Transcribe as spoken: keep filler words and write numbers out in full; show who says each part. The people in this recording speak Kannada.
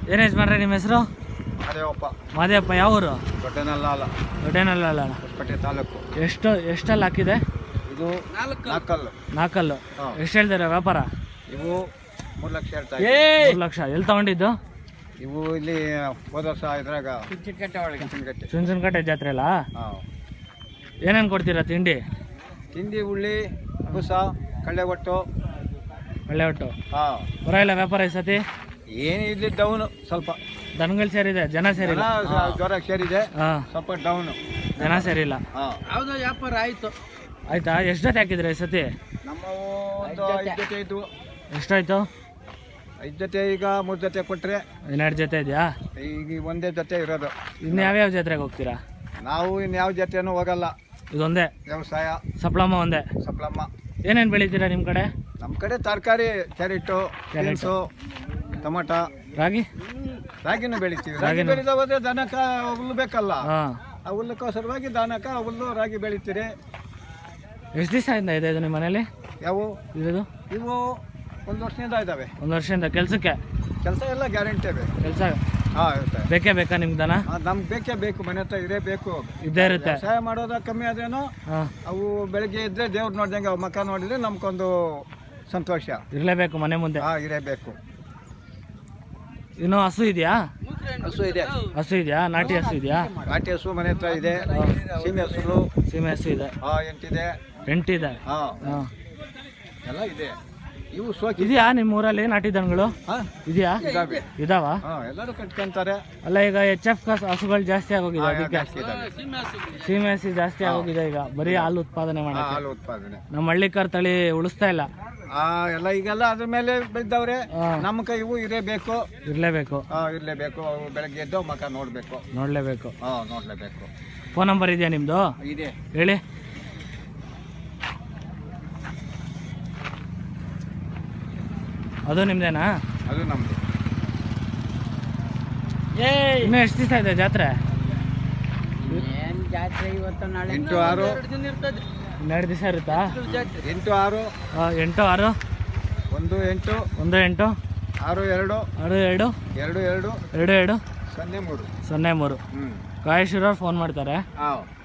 Speaker 1: ಏನು ಯಜಮಾನ್ರೆ ನಿಮ್ಮ ಹೆಸರು?
Speaker 2: ಮಾದೇವಪ್ಪ.
Speaker 1: ಮಾದೇವಪ್ಪ ಯಾವ ಊರು?
Speaker 2: ದೊಡ್ಡನಲ್ಲ
Speaker 1: ದೊಡ್ಡೇನಲ್ಲ.
Speaker 2: ಹೊಸಪೇಟೆ ತಾಲೂಕು.
Speaker 1: ಎಷ್ಟು ಎಷ್ಟಲ್ಲಿ ಹಾಕಿದೆ
Speaker 2: ಇದು ನಾಲ್ಕಲ್ಲು.
Speaker 1: ನಾಲ್ಕಲ್ಲು.
Speaker 2: ಹಾಂ.
Speaker 1: ಎಷ್ಟು ಹೇಳ್ತಾರೆ ವ್ಯಾಪಾರ?
Speaker 2: ಇವು ಮೂರು ಲಕ್ಷ ಹೇಳ್ತಾ
Speaker 1: ಮೂರು ಲಕ್ಷ. ಎಲ್ಲಿ ತಗೊಂಡಿದ್ದು?
Speaker 2: ಇವು ಇಲ್ಲಿ ಹೋದ ವರ್ಷ ಇದ್ರಾಗ ಚುಂಚನಕಟ್ಟೆ ಒಳಗೆ ಚುಂಚನಕಟ್ಟೆ
Speaker 1: ಚುಂಚನಕಟ್ಟೆ ಜಾತ್ರೆ ಅಲ್ಲ?
Speaker 2: ಹಾಂ.
Speaker 1: ಏನೇನು ಕೊಡ್ತೀರಾ ತಿಂಡಿ?
Speaker 2: ತಿಂಡಿ ಉಳ್ಳಿ ಬೂಸ ಕಳ್ಳೆ ಒಟ್ಟು
Speaker 1: ಒಳ್ಳೆ ಒಟ್ಟು.
Speaker 2: ಹಾಂ.
Speaker 1: ಪರವಾಗಿಲ್ಲ ವ್ಯಾಪಾರ ಈ ಸತಿ?
Speaker 2: ಏನು ಇಲ್ಲಿ ಡೌನು ಸ್ವಲ್ಪ.
Speaker 1: ದನಗಳು ಸೇರಿದೆ, ಜನ ಸೇರಿಲ್ಲ.
Speaker 2: ಜ್ವರ ಸೇರಿದೆ,
Speaker 1: ಹಾಂ.
Speaker 2: ಸ್ವಲ್ಪ ಡೌನು,
Speaker 1: ಜನ ಸೇರಿಲ್ಲ.
Speaker 2: ಹಾಂ.
Speaker 3: ಯಾವುದೋ ವ್ಯಾಪಾರ ಆಯಿತು.
Speaker 1: ಆಯ್ತಾ? ಎಷ್ಟು ಜೊತೆ ಹಾಕಿದ್ರೆ ಈ ಸತಿ?
Speaker 2: ನಮ್ಮ ಒಂದು ಐದು ಜೊತೆ ಇದ್ವು.
Speaker 1: ಎಷ್ಟಾಯ್ತು?
Speaker 2: ಐದು ಜೊತೆ ಈಗ ಮೂರು ಜೊತೆ ಕೊಟ್ಟರೆ
Speaker 1: ಇನ್ನೆರಡು ಜೊತೆ ಇದೆಯಾ?
Speaker 2: ಈಗ ಒಂದೇ ಜೊತೆ ಇರೋದು.
Speaker 1: ಇನ್ನು ಯಾವ್ಯಾವ ಜಾತ್ರೆಗೆ ಹೋಗ್ತೀರಾ?
Speaker 2: ನಾವು ಇನ್ಯಾವ ಜೊತೆನೂ ಹೋಗಲ್ಲ.
Speaker 1: ಇದೊಂದೇ
Speaker 2: ವ್ಯವಸಾಯ,
Speaker 1: ಸಪ್ಲಮ್ಮ ಒಂದೇ.
Speaker 2: ಸಪ್ಲಮ್ಮ.
Speaker 1: ಏನೇನು ಬೆಳಿತೀರಾ ನಿಮ್ಮ ಕಡೆ?
Speaker 2: ನಮ್ಮ ಕಡೆ ತರಕಾರಿ, ಕ್ಯಾರೆಟು, ಬೀನ್ಸು, ಟೊಮಟ,
Speaker 1: ರಾಗಿ
Speaker 2: ರಾಗಿನೂ ಬೆಳಿತೀವಿ. ರಾಗಿ
Speaker 1: ರಾಗಿನೂ?
Speaker 2: ಬೆಳೆದ ಹೋದ್ರೆ ದನಕ ಹುಲ್ಲು ಬೇಕಲ್ಲ,
Speaker 1: ಹಾಂ.
Speaker 2: ಆ ಹುಲ್ಲಕ್ಕೋಸ್ಕರವಾಗಿ ದನಕ ಹುಲ್ಲು ರಾಗಿ ಬೆಳಿತೀರಿ.
Speaker 1: ಎಷ್ಟು ದಿವಸ ಇಂದ ಇದೆ ಇದು ನಿಮ್ಮ ಮನೇಲಿ?
Speaker 2: ಯಾವ
Speaker 1: ಇರೋದು
Speaker 2: ಇವು ಒಂದು ವರ್ಷದಿಂದ ಇದ್ದಾವೆ.
Speaker 1: ಒಂದು ವರ್ಷದಿಂದ. ಕೆಲಸಕ್ಕೆ
Speaker 2: ಕೆಲಸ ಎಲ್ಲ ಗ್ಯಾರಂಟಿ ಬೇಕು.
Speaker 1: ಕೆಲಸ
Speaker 2: ಹಾಂ ಇರುತ್ತೆ.
Speaker 1: ಬೇಕೇ ಬೇಕಾ ನಿಮ್ಗೆ ದನ?
Speaker 2: ನಮ್ಗೆ ಬೇಕೇ ಬೇಕು, ಮನೆ ಹತ್ರ ಇರೇ ಬೇಕು.
Speaker 1: ಇದ್ದೇ ಇರುತ್ತೆ.
Speaker 2: ವ್ಯವಸಾಯ ಮಾಡೋದ ಕಮ್ಮಿ ಆದ್ರೇನು
Speaker 1: ಹಾಂ.
Speaker 2: ಅವು ಬೆಳಗ್ಗೆ ಇದ್ರೆ ದೇವ್ರು ನೋಡ್ದಂಗೆ ಅವು ಮಕ್ಕ ನೋಡಿದ್ರೆ ನಮ್ಗೊಂದು ಸಂತೋಷ.
Speaker 1: ಇರಲೇಬೇಕು ಮನೆ ಮುಂದೆ.
Speaker 2: ಹಾಂ ಇರಬೇಕು.
Speaker 1: ಇನ್ನು ಹಸು ಇದೆಯಾ?
Speaker 2: ಹಸು ಇದೆ.
Speaker 1: ಹಸು ಇದೆಯಾ? ನಾಟಿ ಹಸು ಇದೆಯಾ?
Speaker 2: ನಾಟಿ ಹಸು ಮನೆ ಹತ್ರ ಇದೆ. ಸೀಮೆ ಹಸುಗಳು
Speaker 1: ಸೀಮೆ ಹಸು ಇದೆ.
Speaker 2: ಹಾಂ ಎಂಟಿದೆ.
Speaker 1: ಎಂಟಿದೆ.
Speaker 2: ಹಾಂ
Speaker 1: ಹಾಂ.
Speaker 2: ಎಲ್ಲ ಇದೆ. ಇವು ಸೋಕಿ
Speaker 1: ಇದೆಯಾ ನಿಮ್ಮ ಊರಲ್ಲಿ ನಾಟಿ ದನಗಳು?
Speaker 2: ಹಾಂ
Speaker 1: ಇದೆಯಾ?
Speaker 2: ಇದಾವೆ.
Speaker 1: ಇದಾವ?
Speaker 2: ಹಾಂ ಎಲ್ಲರೂ ಕಟ್ಕೊಂತಾರೆ.
Speaker 1: ಅಲ್ಲ ಈಗ ಎಚ್ ಎಫ್ ಹಸುಗಳು ಜಾಸ್ತಿ ಆಗೋಗಿದೆ,
Speaker 2: ಹಾಂ,
Speaker 1: ಅದಕ್ಕೆ
Speaker 2: ಜಾಸ್ತಿ ಇದಾವೆ.
Speaker 1: ಸೀಮೆ ಹಸಿ ಜಾಸ್ತಿ ಆಗೋಗಿದೆ ಈಗ. ಬರೀ ಹಾಲು ಉತ್ಪಾದನೆ
Speaker 2: ಹಾಂ,
Speaker 1: ಮಾಡಕ್ಕೆ.
Speaker 2: ಹಾಲು ಉತ್ಪಾದನೆ.
Speaker 1: ನಮ್ಮ ಹಳ್ಳಿಕಾರ್ ತಳಿ ಉಳಿಸ್ತಾ ಇಲ್ಲ.
Speaker 2: ಆ ಎಲ್ಲ ಈಗೆಲ್ಲ ಅದ್ರ ಮೇಲೆ ಬೆಳೆದವ್ರೆ.
Speaker 1: ಹಾಂ.
Speaker 2: ನಮ್ಮ ಕೈ ಇವು ಇರಬೇಕು.
Speaker 1: ಇರಲೇಬೇಕು.
Speaker 2: ಹಾಂ ಇರಲೇಬೇಕು. ಅವು ಬೆಳಗ್ಗೆ ಎದ್ದು ಮಕ್ಕ ನೋಡಬೇಕು.
Speaker 1: ನೋಡಲೇಬೇಕು.
Speaker 2: ಹಾಂ ನೋಡಲೇಬೇಕು.
Speaker 1: ಫೋನ್ ನಂಬರ್ ಇದೆಯಾ ನಿಮ್ಮದು?
Speaker 2: ಇದೆ.
Speaker 1: ಹೇಳಿ. ಅದು ನಿಮ್ದೇನಾ?
Speaker 2: ಅದು ನಮ್ಮದು.
Speaker 1: ಇನ್ನೂ ಎಷ್ಟು ದಿವಸ ಇದೆ ಜಾತ್ರೆ?
Speaker 3: ಏನು ಜಾತ್ರೆ ಇವತ್ತು ನಾಳೆ
Speaker 2: ಎಂಟು ಆರು
Speaker 3: ದಿನ ಇರ್ತದೆ.
Speaker 1: ಇನ್ನೆರಡು ದಿವಸ ಇರುತ್ತಾ?
Speaker 2: ಎಂಟು ಆರು
Speaker 1: ಆ, ಎಂಟು ಆರು
Speaker 2: ಒಂದು ಎಂಟು
Speaker 1: ಒಂದು ಎಂಟು
Speaker 2: ಆರು ಎರಡು
Speaker 1: ಆರು ಎರಡು
Speaker 2: ಎರಡು ಎರಡು
Speaker 1: ಎರಡು ಎರಡು
Speaker 2: ಸೊನ್ನೆ ಮೂರು.
Speaker 1: ಸೊನ್ನೆ ಮೂರು.
Speaker 2: ಹ್ಞೂ.
Speaker 1: ಕಾಯೇಶ್ವರವ್ರು ಫೋನ್ ಮಾಡ್ತಾರೆ.
Speaker 2: ಹಾಂ